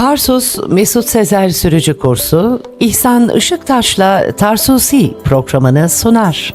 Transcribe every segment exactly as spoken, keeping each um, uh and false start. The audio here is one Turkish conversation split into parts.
Tarsus Mesut Sezer Sürücü Kursu, İhsan Işıktaş'la Tarsusi programını sunar.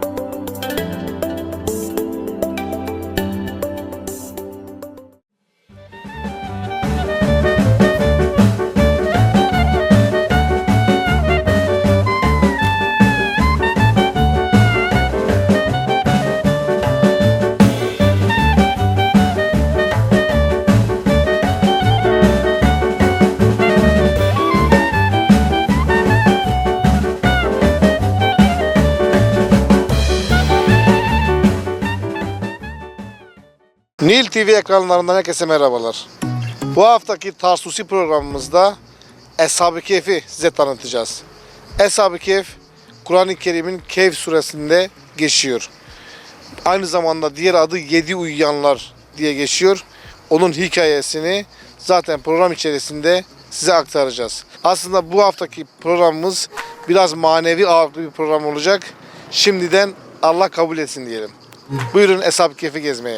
Nil T V ekranlarından herkese merhabalar. Bu haftaki Tarsusi programımızda Eshab-ı Kehf'i size tanıtacağız. Eshab-ı Kehf, Kur'an-ı Kerim'in Kehf suresinde geçiyor. Aynı zamanda diğer adı Yedi Uyuyanlar diye geçiyor. Onun hikayesini zaten program içerisinde size aktaracağız. Aslında bu haftaki programımız biraz manevi ağırlıklı bir program olacak. Şimdiden Allah kabul etsin diyelim. Buyurun Eshab-ı Kehf'i gezmeye.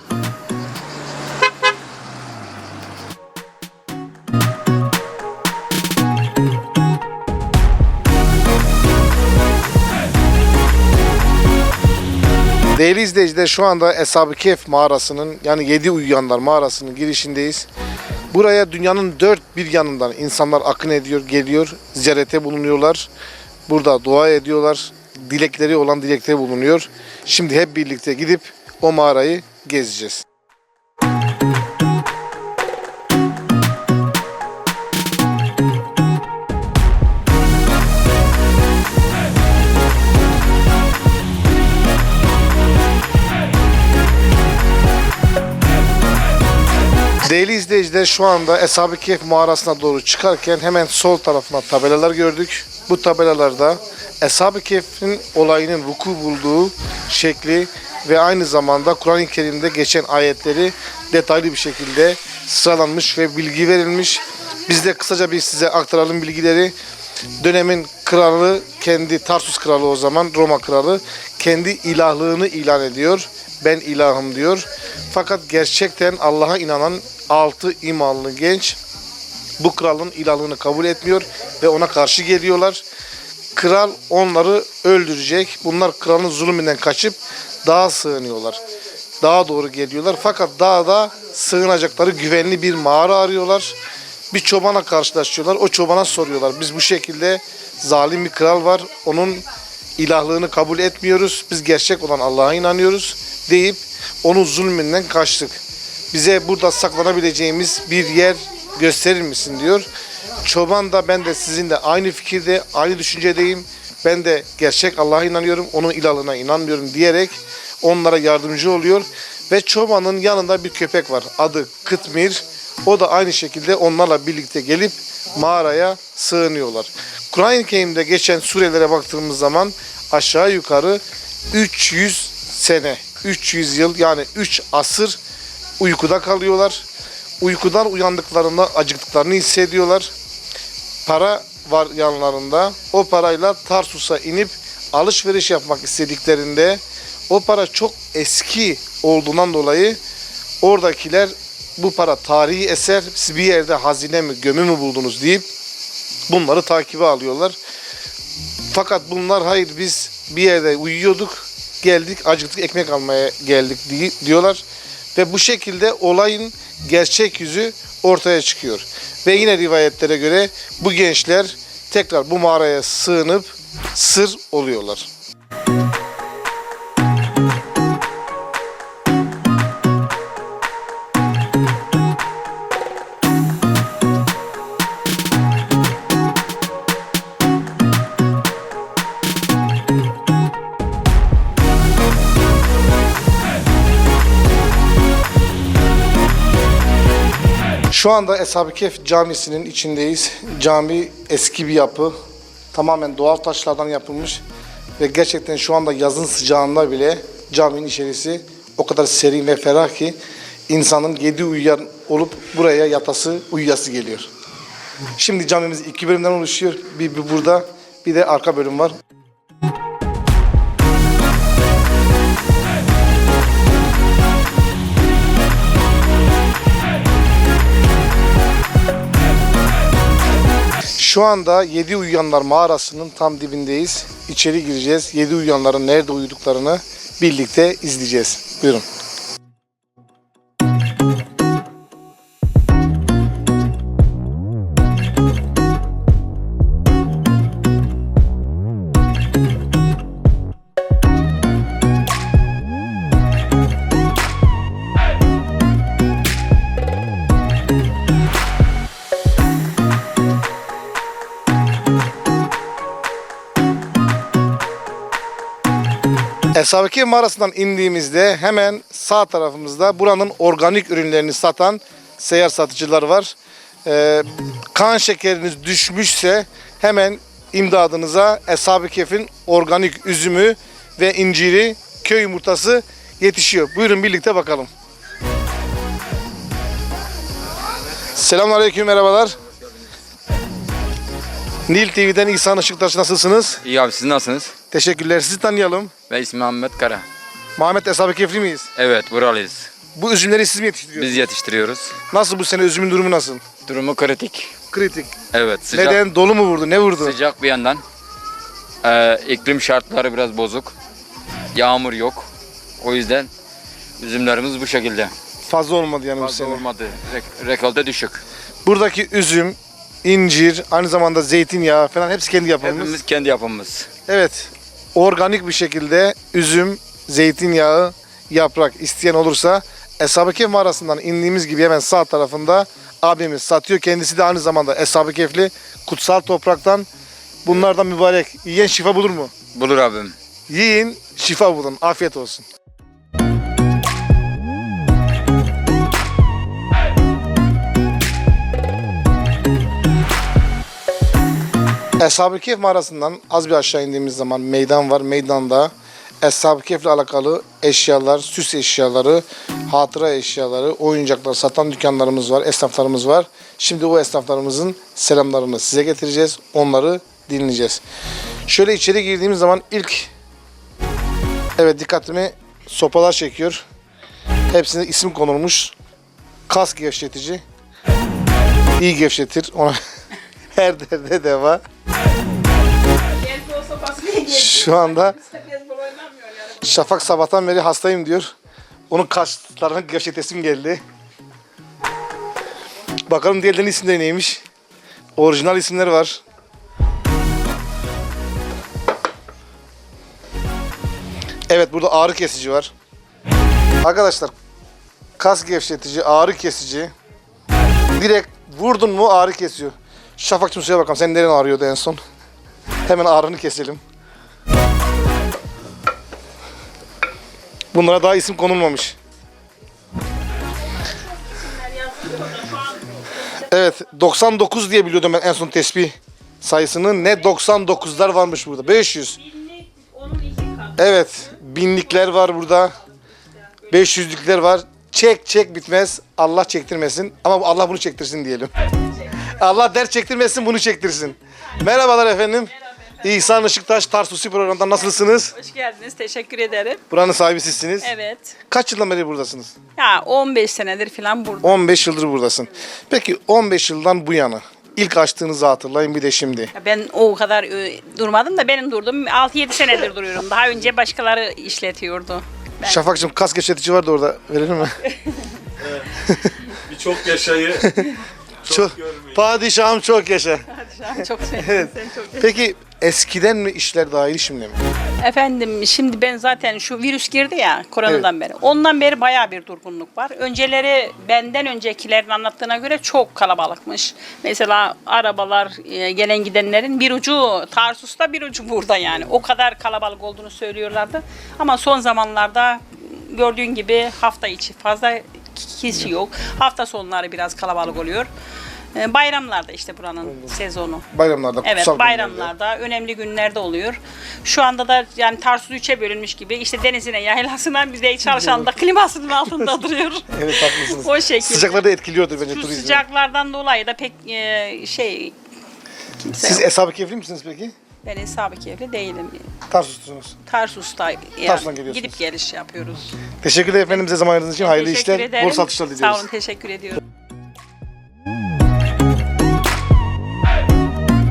Değerli izleyiciler, şu anda Eshab-ı Kehf mağarasının, yani Yedi Uyuyanlar mağarasının girişindeyiz. Buraya dünyanın dört bir yanından insanlar akın ediyor, geliyor, ziyarete bulunuyorlar. Burada dua ediyorlar, dilekleri olan dilekleri bulunuyor. Şimdi hep birlikte gidip o mağarayı gezeceğiz. Değerli izleyiciler, şu anda Eshab-ı Kehf mağarasına doğru çıkarken hemen sol tarafına tabelalar gördük. Bu tabelalarda Eshab-ı Kehf'in olayının vuku bulduğu şekli ve aynı zamanda Kur'an-ı Kerim'de geçen ayetleri detaylı bir şekilde sıralanmış ve bilgi verilmiş. Biz de kısaca bir size aktaralım bilgileri. Dönemin kralı, kendi Tarsus kralı, o zaman Roma kralı, kendi ilahlığını ilan ediyor. Ben ilahım diyor. Fakat gerçekten Allah'a inanan altı imanlı genç bu kralın ilahlığını kabul etmiyor ve ona karşı geliyorlar. Kral onları öldürecek. Bunlar kralın zulmünden kaçıp dağa sığınıyorlar. Dağa doğru geliyorlar. Fakat dağda sığınacakları güvenli bir mağara arıyorlar. Bir çobana karşılaşıyorlar. O çobana soruyorlar. Biz bu şekilde zalim bir kral var. Onun ilahlığını kabul etmiyoruz. Biz gerçek olan Allah'a inanıyoruz deyip onun zulmünden kaçtık. Bize burada saklanabileceğimiz bir yer gösterir misin diyor. Çoban da ben de sizinle aynı fikirde, aynı düşüncedeyim. Ben de gerçek Allah'a inanıyorum, onun ilahlığına inanmıyorum diyerek onlara yardımcı oluyor. Ve çobanın yanında bir köpek var. Adı Kıtmir. O da aynı şekilde onlarla birlikte gelip mağaraya sığınıyorlar. Kur'an-ı Kerim'de geçen surelere baktığımız zaman aşağı yukarı üç yüz sene, üç yüz yıl, yani üç asır uykuda kalıyorlar. Uykudan uyandıklarında acıktıklarını hissediyorlar. Para var yanlarında. O parayla Tarsus'a inip alışveriş yapmak istediklerinde o para çok eski olduğundan dolayı oradakiler bu para tarihi eser, siz bir yerde hazine mi, gömü mü buldunuz deyip bunları takibe alıyorlar. Fakat bunlar hayır, biz bir yerde uyuyorduk, geldik, acıktık, ekmek almaya geldik diyorlar. Ve bu şekilde olayın gerçek yüzü ortaya çıkıyor. Ve yine rivayetlere göre bu gençler tekrar bu mağaraya sığınıp sır oluyorlar. Şu anda Eshab-ı Kehf camisinin içindeyiz. Cami eski bir yapı. Tamamen doğal taşlardan yapılmış. Ve gerçekten şu anda yazın sıcağında bile caminin içerisi o kadar serin ve ferah ki insanın yedi uyuyan olup buraya yatası, uyuyası geliyor. Şimdi camimiz iki bölümden oluşuyor. Bir, bir burada, bir de arka bölüm var. Şu anda Yedi Uyuyanlar mağarasının tam dibindeyiz. İçeri gireceğiz. Yedi Uyuyanların nerede uyuduklarını birlikte izleyeceğiz. Buyurun. Eshab-ı Kehf mağarasından indiğimizde hemen sağ tarafımızda buranın organik ürünlerini satan seyyar satıcılar var. Ee, kan şekeriniz düşmüşse hemen imdadınıza Eshab-ı Kehf'in organik üzümü ve inciri, köy yumurtası yetişiyor. Buyurun birlikte bakalım. Selamünaleyküm, merhabalar. Nil T V'den İhsan Işıktaş, nasılsınız? İyi abi, siz nasılsınız? Teşekkürler. Sizi tanıyalım. Ben ismim Ahmet Kara. Muhammed Eshab-ı Kehf'li miyiz? Evet, buralıyız. Bu üzümleri siz mi yetiştiriyorsunuz? Biz yetiştiriyoruz. Nasıl bu sene üzümün durumu nasıl? Durumu kritik. Kritik. Evet, sıcak, Neden? Dolu mu vurdu? Ne vurdu? sıcak bir yandan. Ee, iklim şartları biraz bozuk. Yağmur yok. O yüzden üzümlerimiz bu şekilde. Fazla olmadı yani bu Fazla sene. olmadı. Rek- rekolte düşük. Buradaki üzüm, incir, aynı zamanda zeytinyağı falan hepsi kendi yapımımız. Hepimiz kendi yapımımız. Evet. Organik bir şekilde üzüm, zeytinyağı, yaprak isteyen olursa Eshab-ı Kehf mağarasından indiğimiz gibi hemen sağ tarafında abimiz satıyor. Kendisi de aynı zamanda Eshab-ı Kehf'li, kutsal topraktan. Bunlardan mübarek. Yiyen şifa bulur mu? Bulur abim. Yiyin, şifa bulun. Afiyet olsun. Eshab-ı Kehf mağarasından az bir aşağı indiğimiz zaman meydan var. Meydanda Eshab-ı Kehf'le alakalı eşyalar, süs eşyaları, hatıra eşyaları, oyuncaklar satan dükkanlarımız var, esnaflarımız var. Şimdi o esnaflarımızın selamlarını size getireceğiz. Onları dinleyeceğiz. Şöyle içeri girdiğimiz zaman ilk, evet, dikkatimi sopalar çekiyor. Hepsine isim konulmuş. Kas gevşetici. İyi gevşetir. Ona her derde deva. Şu anda Şafak sabahtan beri hastayım diyor. Onun kaslarını gevşetesim geldi. Bakalım diğerlerinin isimleri neymiş. Orijinal isimleri var. Evet, burada ağrı kesici var. Arkadaşlar, kas gevşetici, ağrı kesici. Direkt vurdun mu ağrı kesiyor. Şafak'cığım söyle bakalım, senin neren ağrıyordu en son? Hemen ağrını keselim. Bunlara daha isim konulmamış. Evet, doksan dokuz diye biliyordum ben en son tespih sayısını. Ne doksan dokuzlar varmış burada. beş yüz. Evet, binlikler var burada. beş yüzlükler var. Çek çek bitmez. Allah çektirmesin. Ama Allah bunu çektirsin diyelim. Allah dert çektirmesin, bunu çektirsin. Merhabalar efendim. İhsan Işıktaş, Tarsusi programından nasılsınız? Hoş geldiniz. Teşekkür ederim. Buranın sahibi sizsiniz. Evet. Kaç yıldan beri buradasınız? Ya on beş senedir falan burada. on beş yıldır buradasın. Peki on beş yıldan bu yana ilk açtığınızı hatırlayın, bir de şimdi. Ya ben o kadar e, durmadım da benim durdum. altı yedi senedir duruyorum. Daha önce başkaları işletiyordu. Ben... Şafak'cığım, kas gevşetici vardı orada. Verelim mi? Bir çok yaşayı Çok, padişahım çok yaşa. çok sevdim. Evet. Seni çok sevdim. Peki eskiden mi işler daha iyi, şimdi mi? Efendim şimdi ben zaten şu virüs girdi ya koronadan beri. Ondan beri bayağı bir durgunluk var. Önceleri benden öncekilerin anlattığına göre çok kalabalıkmış. Mesela arabalar, e, gelen gidenlerin bir ucu Tarsus'ta, bir ucu burada yani. O kadar kalabalık olduğunu söylüyorlardı. Ama son zamanlarda gördüğün gibi hafta içi fazla kişi yok. Hafta sonları biraz kalabalık oluyor. E, Bayramlarda işte buranın sezonu. Bayramlarda, Evet, kutsal bayramlarda, önemli günlerde oluyor. Şu anda da yani Tarsus üçe bölünmüş gibi işte denizine, yaylasına, biz de çalışan da klimasının altında duruyor. günlerde. Evet, haklısınız. O şekilde. Sıcakları da etkiliyordur bence Şu turizmi. sıcaklardan dolayı da pek e, şey kimse Siz yok. Eshab-ı Kehf'li misiniz peki? Ben Eshab-ı Kehf'li değilim. Tarsus'tunuz. Tarsus'ta yani Tarsus'tan geliyorsunuz. gidip geliş yapıyoruz. Teşekkürler efendim, bize zaman ayırdığınız için. Hayırlı Teşekkür işler, ederim. bol satışlar diliyoruz. Sağ olun, teşekkür ediyorum.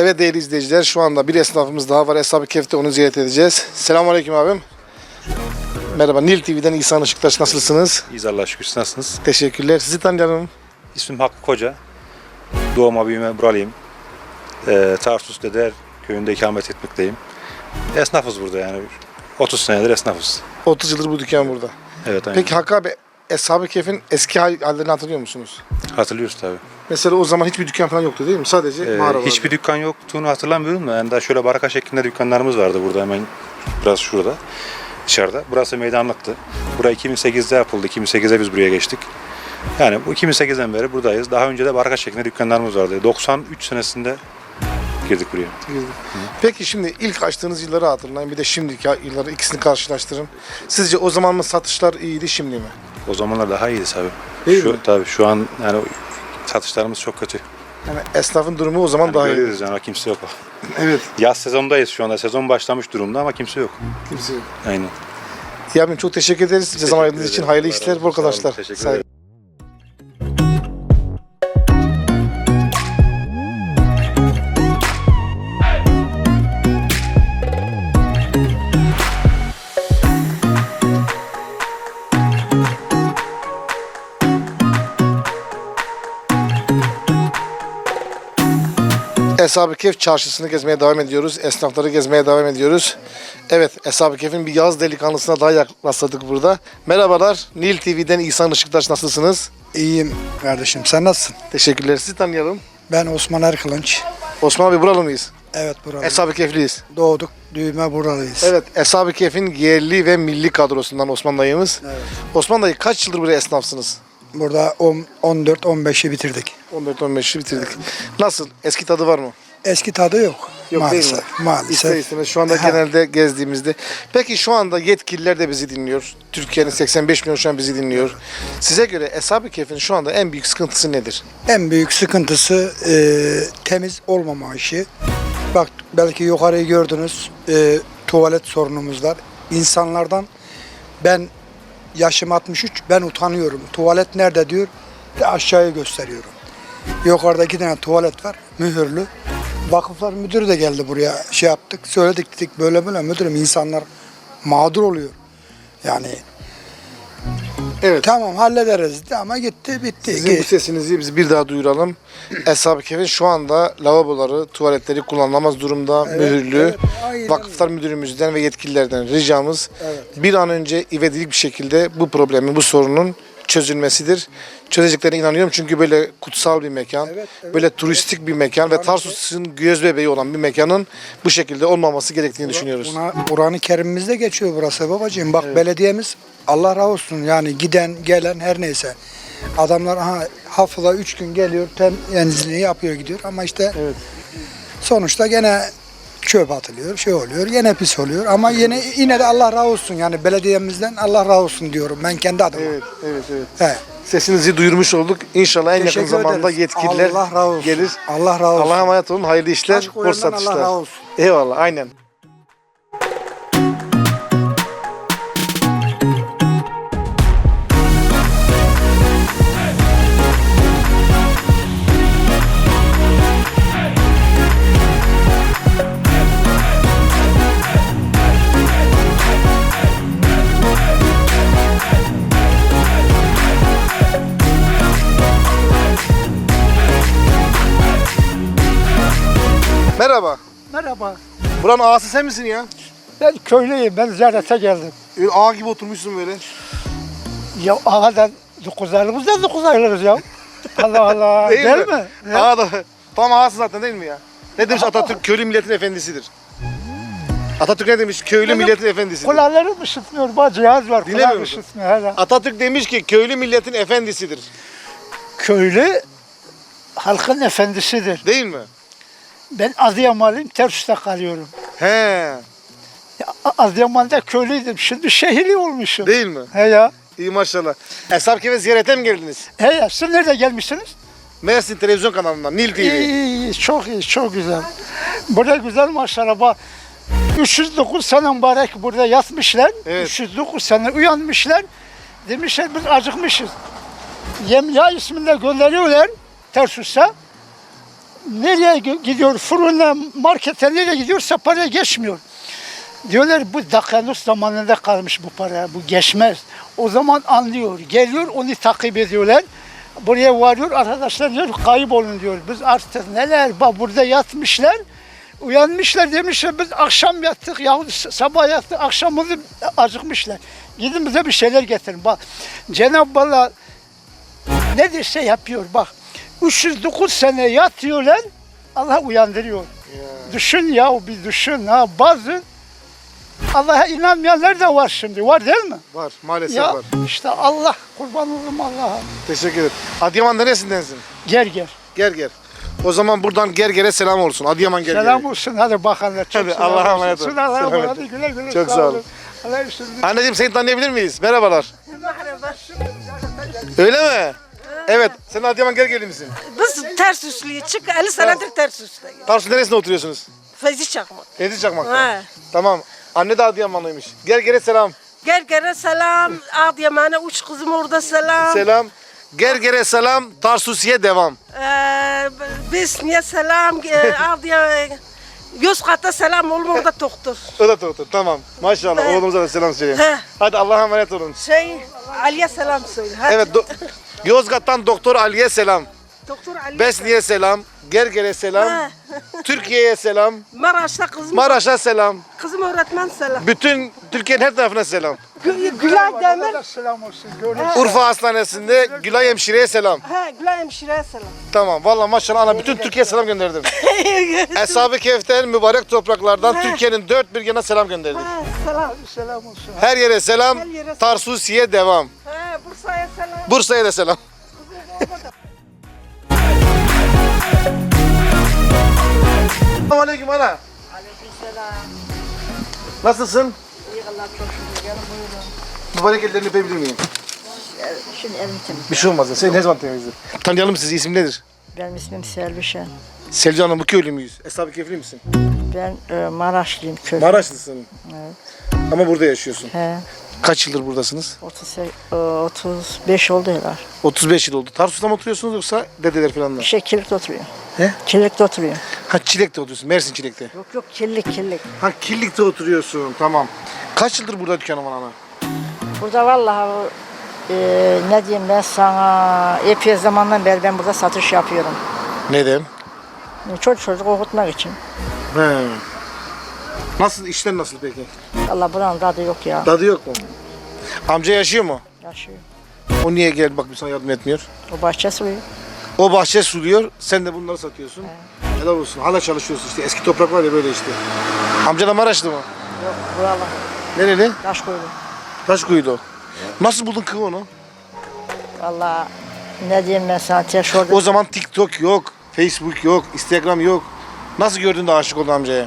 Evet değerli izleyiciler, şu anda bir esnafımız daha var. Eshab-ı Kehf'te, onu ziyaret edeceğiz. Selamünaleyküm abim. Merhaba, Nil T V'den İhsan Işıktaş, nasılsınız? İyiyiz Allah'a şükür. Siz nasılsınız? Teşekkürler. Sizi tanıyalım. İsmim Hakkı Koca. Doğma büyüme buralıyım. Ee, Tarsus Deder köyünde ikamet etmekteyim. Esnafız burada yani. otuz senedir esnafız. otuz yıldır bu dükkan burada. Evet aynen. Peki Hakkı abi, Eshab-ı Kehf'in eski hal- hallerini hatırlıyor musunuz? Hatırlıyoruz tabii. Mesela o zaman hiçbir dükkan falan yoktu değil mi? Sadece Ee, mağara vardı. hiçbir dükkan yoktuğunu hatırlamıyorum da yani daha şöyle baraka şeklinde dükkanlarımız vardı burada hemen biraz şurada dışarıda. Burası meydanlıktı. Burası iki bin sekizde yapıldı. iki bin sekizde biz buraya geçtik. Yani bu iki bin sekizden beri buradayız. Daha önce de baraka şeklinde dükkanlarımız vardı. doksan üç senesinde girdik buraya. Peki şimdi ilk açtığınız yılları hatırlayın, bir de şimdiki yılları, ikisini karşılaştırın. Sizce o zaman mı satışlar iyiydi, şimdi mi? O zamanlar daha iyiydi tabii. Değil şu, mi? Tabii şu an yani satışlarımız çok kötü. Yani esnafın durumu o zaman Yani daha iyi. görüyoruz yani kimse yok. Evet. Yaz sezondayız şu anda. Sezon başlamış durumda ama kimse yok. Kimse yok. Aynen. Ya abim çok teşekkür ederiz. Size zaman ayırdığınız için hayırlı işler, bol kazançlar. Teşekkür Sağ olun. ederim. Eshab-ı Kehf çarşısını gezmeye devam ediyoruz. Esnafları gezmeye devam ediyoruz. Evet, Eshab-ı Kehf'in bir yaz delikanlısına daha rastladık burada. Merhabalar, Nil T V'den İhsan Işıktaş, nasılsınız? İyiyim kardeşim. Sen nasılsın? Teşekkürler. Sizi tanıyalım. Ben Osman Erkılınç. Osman abi, buralı mıyız? Evet buralıyım. Eshab-ı Kehf'liyiz. Doğduk, büyüme buralıyız. Evet, Eshab-ı Kehf'in yerli ve milli kadrosundan Osman dayımız. Evet. Osman dayı, kaç yıldır buraya esnafsınız? Burada on dört on beşi bitirdik. on dört on beşi bitirdik. Nasıl? Eski tadı var mı? Eski tadı yok. Yok maalesef. değil mi? Maalesef. İster istemez şu anda Ha. genelde gezdiğimizde. Peki şu anda yetkililer de bizi dinliyor. Türkiye'nin seksen beş milyon şu an bizi dinliyor. Size göre Eshab-ı Kehf'in şu anda en büyük sıkıntısı nedir? En büyük sıkıntısı e, temiz olmama işi. Bak belki yukarıyı gördünüz. E, tuvalet sorunumuz var. İnsanlardan ben yaşım altmış üç, ben utanıyorum. Tuvalet nerede diyor. De aşağıya gösteriyorum. Yukarıda iki tane tuvalet var. Mühürlü. Vakıflar müdürü de geldi buraya, şey yaptık, söyledik dedik böyle böyle müdürüm, insanlar mağdur oluyor. Yani Evet. tamam hallederiz de ama gitti bitti. Sizin bu sesinizi biz bir daha duyuralım. Eshab-ı Kehf'in şu anda lavaboları, tuvaletleri kullanılamaz durumda, mühürlü. evet, aynen. Vakıflar müdürümüzden ve yetkililerden ricamız Evet. bir an önce ivedilik bir şekilde bu problemin, bu sorunun çözülmesidir. Çözeceklerine inanıyorum çünkü böyle kutsal bir mekan, Evet, evet, böyle turistik bir mekan ve Kur'an-ı Tarsus'un göz bebeği olan bir mekanın bu şekilde olmaması gerektiğini düşünüyoruz. Buna Kur'an-ı Kerim'imizde geçiyor burası babacığım. Bak belediyemiz Allah razı olsun yani giden gelen her neyse. Adamlar aha, haftada üç gün geliyor temizliğini yapıyor gidiyor ama işte Evet. sonuçta gene çöp atılıyor, şey oluyor, yine pis oluyor ama yine yine de Allah razı olsun yani belediyemizden Allah razı olsun diyorum ben kendi adıma. Evet, evet, evet. He. Sesinizi duyurmuş olduk. İnşallah en yakın Teşekkür zamanda ederiz. yetkililer Allah razı olsun. gelir. Allah razı olsun. Allah'a emanet olun. Hayırlı işler, Aşk bol oyundan satışlar. Allah razı olsun. Eyvallah, aynen. Merhaba. Merhaba. Buranın ağası sen misin ya? Ben köylüyüm. Ben ziyarete geldim. Öyle ağa gibi oturmuşsun böyle. Ya ağadan dokuz aylığımız da dokuz aylığız ya. Allah Allah. Değil, Değil, mi? mi? Ya. Ağa da tam ağası zaten değil mi ya? Ne demiş Atatürk? Köylü milletin efendisidir. Atatürk ne demiş? Köylü Benim milletin efendisidir. Kulağlarım ışıtmıyor. Bak cihaz var. Dinlemiyor Kulağım musun? ışıtmıyor. Hala. Atatürk demiş ki köylü milletin efendisidir. Köylü halkın efendisidir. Değil mi? Ben Adıyamanlıyım. Tersus'ta kalıyorum. He. Ya, Adıyaman'da köylüydüm. Şimdi şehirli olmuşum. Değil mi? He ya. İyi maşallah. Eshab-ı Kehf'e ziyarete mi geldiniz? He ya. Siz nerede gelmişsiniz? Mersin televizyon kanalından, Nil T V. İyi, iyi, iyi. Çok iyi. Çok güzel. Burada güzel maşallah. Bak, üç yüz dokuz sene mübarek burada yatmışlar. Evet. üç yüz dokuz sene uyanmışlar. Demişler biz acıkmışız. Yemya isminde gönderiyorlar Tersus'a. nereye gi- gidiyor? Fırına, markete nereye gidiyorsa paraya geçmiyor. Diyorlar bu Dakanus zamanında kalmış bu para, bu geçmez. O zaman anlıyor, geliyor onu takip ediyorlar. Buraya varıyor, arkadaşlar diyor kayıp olun diyor. Biz artık neler, bak burada yatmışlar. Uyanmışlar demişler biz akşam yattık yahut sabah yattık akşamımızı acıkmışlar. Gidin bize bir şeyler getirin. Bak Cenab-ı Allah ne derse yapıyor bak. üç yüz dokuz sene yatıyorlar Allah uyandırıyor. Düşün ya bir düşün ha bazı Allah'a inanmayanlar da var şimdi var değil mi? Var maalesef Ya var. işte Allah kurban olurum Allah'a. Teşekkür ederim. Adıyaman neresindensin? Gel gel. Gerger. O zaman buradan Gerger'e selam olsun. Adıyaman Gerger'e. Selam olsun hadi bakanlar. Çok Hadi, selam Allah'a olsun. emanet olun. Allah'a Selam emanet edin. Güle güle. Çok sağ olun. Allah'a emanet olun. Anneciğim seni tanıyabilir miyiz? Merhabalar. Öyle mi? Evet. Sen Adıyaman Gergerli misin? Biz ters üstlüyü çık elli senedir ters üstlüyüz. Tarsus neresinde oturuyorsunuz? Feyzi çakmak. Fevzi Çakmak'ta. He. Tamam. Anne de Adıyamanlıymış. Gerger'e selam. Gergere selam. Adıyaman'a üç kızım orada selam. Selam. Gerger'e selam. Tarsus'iye devam. Ee, Besniye selam. Ee, Adıyaman. Yozgat'a selam oğlum orada doktor. O da doktor. Tamam. Maşallah. He. Oğlumuza da selam söyleyin. He. Hadi Allah'a emanet olun. Şey Ali'ye selam söyle. Hadi. Evet. do- Yozgat'tan Doktor Ali'ye selam. Doktor Ali. Besni'ye selam. Gerger'e selam. He. Türkiye'ye selam. Maraş'ta kızım. Maraş'a selam. Kızım öğretmen selam. Bütün Türkiye'nin her tarafına selam. Gü- Gülay Demir. Selam olsun. Görüşürüz. Urfa Hastanesi'nde Gülay Hemşire'ye selam. He Gülay Hemşire'ye selam. Tamam. Vallahi maşallah ana bütün Türkiye'ye selam gönderdim. Eshab-ı Kehf'ten mübarek topraklardan Türkiye'nin dört bir yana selam gönderdik. He selam. Selam olsun. Her yere selam. Her yere selam. Tarsus'iye devam. He Bursa'ya selam. Bursa'ya da selam. Selamun aleyküm ana. Aleykümselam. Nasılsın? İyi Allah çok şükür. Canım buyurun. Mübarek ellerini öpebilir miyim? Şimdi elim temiz. Bir şey olmaz ya. Sen ne zaman temizledin? Tanıyalım sizi. İsim nedir? Benim ismim Selvişen. Selcan Hanım bu köylü müyüz? Eshab-ı Kehf'li misin? Ben e, Maraşlıyım köy. Maraşlısın. Evet. Ama burada yaşıyorsun. He, Kaç yıldır buradasınız? otuz, e, otuz beş oldu herhalde. otuz beş yıl oldu. Tarsus'ta mı oturuyorsunuz yoksa dedeler falan da? Bir şey Kilik'te oturuyor. He? Kilik'te oturuyor. Ha Çilek'te oturuyorsun. Mersin Çilek'te. Yok yok Kilik Kilik. Ha Killik'te oturuyorsun. Tamam. Kaç yıldır burada dükkanın var ana? Burada vallahi e, ne diyeyim ben sana epey zamandan beri ben burada satış yapıyorum. Neden? Çocuk çocuk okutmak için. He. Nasıl? İşler nasıl peki? Allah buranın tadı yok ya. Tadı yok mu? Amca yaşıyor mu? Yaşıyor. O niye gel bak bir sana yardım etmiyor? O bahçe suyu. O bahçe suluyor, sen de bunları satıyorsun. Helal olsun. Hala çalışıyorsun işte. Eski toprak var ya böyle işte. Amca da Maraşlı mı? Yok buralar. Nereli? Taş koydu. Taşkuyu'da. Nasıl buldun kız onu? Vallahi ne diyeyim ben sana tek orada. O zaman TikTok yok, Facebook yok, Instagram yok. Nasıl gördün de aşık oldun amcaya?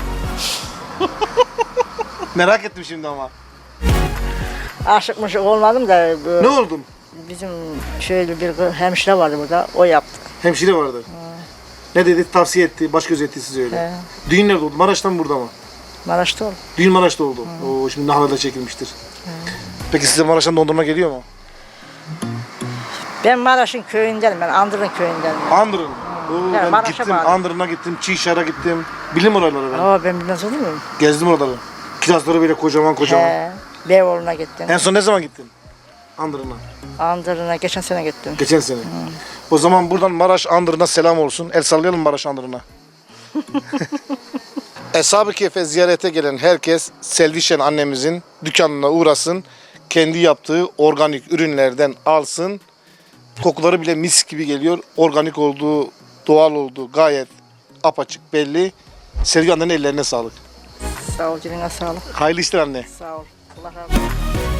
Merak ettim şimdi ama. Aşıkmış olmadım da bu Ne oldun? bizim şöyle bir kız- hemşire vardı burada. O yaptı. Hemşire vardı. Ne dedi? Tavsiye etti, baş göz etti size öyle. He. Düğün nerede oldu? Maraş'ta mı burada mı? Maraş'ta oldu. Düğün Maraş'ta oldu. Oo, şimdi Nahala'da çekilmiştir. Peki size Maraş'tan dondurma geliyor mu? Ben Maraş'ın köyündenim. Ben Andırın köyündenim. Andırın. Oo, ben Maraş'a gittim, bağlı. Andırın'a gittim, Çişar'a gittim. Bilim oraları ben. Aa ben bilmez olur muyum? Gezdim oraları. Kirazları böyle kocaman kocaman. He. Beyoğlu'na gittim. En son ne zaman gittin? Andırın'a. Andırın'a geçen sene gittim. Geçen sene. O zaman buradan Maraş Andırın'a selam olsun. El sallayalım Maraş Andırın'a. Eshab-ı Kehf'e ziyarete gelen herkes Selvişen annemizin dükkanına uğrasın. Kendi yaptığı organik ürünlerden alsın. Kokuları bile mis gibi geliyor. Organik olduğu, doğal olduğu gayet apaçık belli. Sevgi annenin ellerine sağlık. Sağ ol, diline sağlık. Hayırlı işler anne. Sağ ol. Allah razı olsun.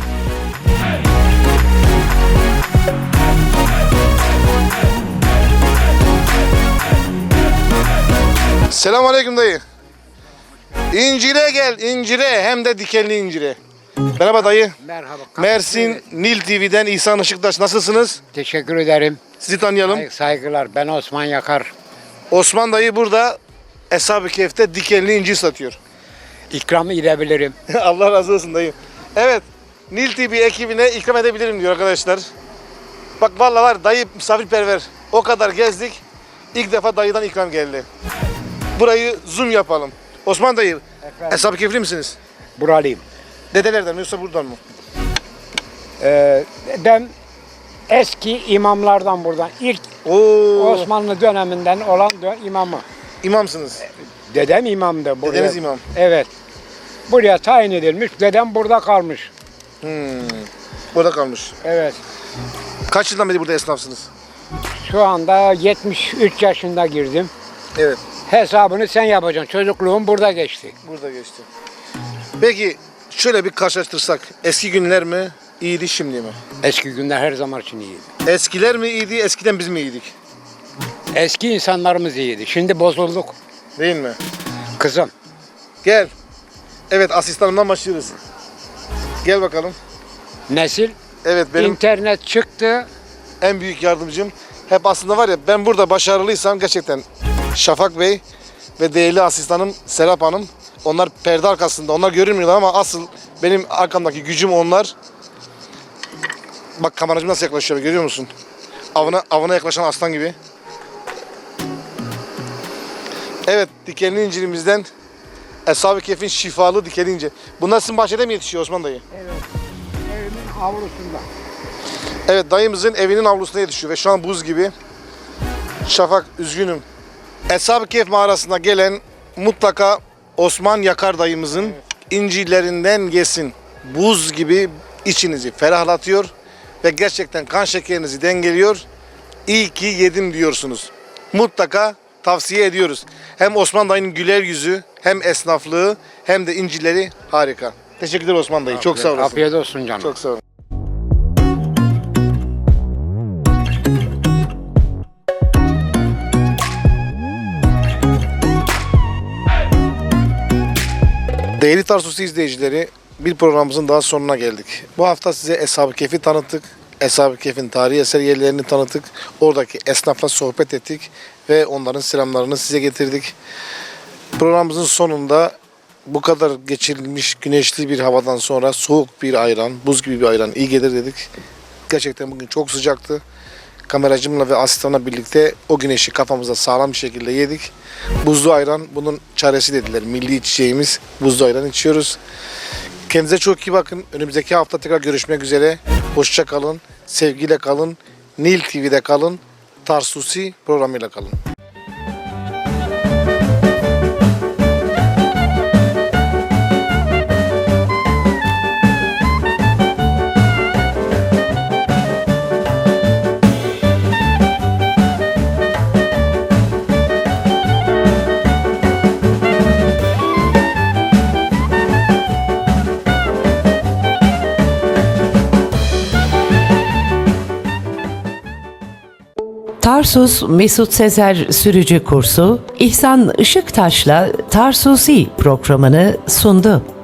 Selamünaleyküm dayı. İncire gel, incire. Hem de dikenli incire. Merhaba dayı. Merhaba. Mersin Nil T V'den İhsan Işıktaş. Nasılsınız? Teşekkür ederim. Sizi tanıyalım. Say- Saygılar. Ben Osman Yakar. Osman dayı burada Eshab-ı Kehf'te dikenli incir satıyor. İkram edebilirim. Allah razı olsun dayı. Evet, Nil T V ekibine ikram edebilirim diyor arkadaşlar. Bak vallahi var dayı misafirperver. O kadar gezdik. İlk defa dayıdan ikram geldi. Burayı zoom yapalım. Osman dayı, Eshab-ı Kehf'li misiniz? Buralıyım. Dedelerden mi yoksa buradan mı? Ee, ben eski imamlardan buradan. İlk Oo, Osmanlı döneminden olan dö- imamı. imamsınız. Dedem imamdı. Buraya. Dedeniz imam. Evet. Buraya tayin edilmiş. Dedem burada kalmış. Hmm. Burada kalmış. Evet. Kaç yıldan beri burada esnafsınız? Şu anda yetmiş üç yaşında girdim. Evet. Hesabını sen yapacaksın. Çocukluğum burada geçti. Burada geçti. Peki şöyle bir karşılaştırsak eski günler mi iyiydi şimdi mi? Eski günler her zaman için iyiydi. Eskiler mi iyiydi eskiden biz mi iyiydik? Eski insanlarımız iyiydi. Şimdi bozulduk. Değil mi? Kızım. Gel. Evet asistanımdan başlıyoruz. Gel bakalım. Nesil Evet benim internet çıktı. en büyük yardımcım. Hep aslında var ya ben burada başarılıysam gerçekten Şafak Bey ve değerli asistanım Serap Hanım. Onlar perde arkasında. Onlar görünmüyorlar ama asıl benim arkamdaki gücüm onlar. Bak kameracım nasıl yaklaşıyor görüyor musun? Avına, avına yaklaşan aslan gibi. Evet dikenli incirimizden Eshab-ı Kehf'in şifalı dikenli incir. Bunlar sizin bahçede mi yetişiyor Osman dayı? Evimin avlusunda. Evet dayımızın evinin avlusuna yetişiyor ve şu an buz gibi. Şafak üzgünüm. Eshab-ı Kehf mağarasına gelen mutlaka Osman Yakar dayımızın incirlerinden yesin. Buz gibi içinizi ferahlatıyor ve gerçekten kan şekerinizi dengeliyor. İyi ki yedim diyorsunuz. Mutlaka tavsiye ediyoruz. Hem Osman dayının güler yüzü, hem esnaflığı, hem de incirleri harika. Teşekkürler Osman dayı. Çok sağ olasın. Afiyet olsun canım. Çok sağ olun. Değerli Tarsus izleyicileri, bir programımızın daha sonuna geldik. Bu hafta size Eshab-ı Kehf'i tanıttık. Eshab-ı Kehf'in tarihi eser yerlerini tanıttık. Oradaki esnafla sohbet ettik ve onların selamlarını size getirdik. Programımızın sonunda bu kadar geçirilmiş güneşli bir havadan sonra soğuk bir ayran, buz gibi bir ayran iyi gelir dedik. Gerçekten bugün çok sıcaktı. Kameracımla ve asistanla birlikte o güneşi kafamıza sağlam bir şekilde yedik. Buzlu ayran bunun çaresi dediler. Milli içeceğimiz buzlu ayran içiyoruz. Kendinize çok iyi bakın. Önümüzdeki hafta tekrar görüşmek üzere. Hoşça kalın, sevgiyle kalın. Nil T V'de kalın. Tarsusi programıyla kalın. Tarsus Mesut Sezer Sürücü Kursu İhsan Işıktaş'la Tarsusi programını sundu.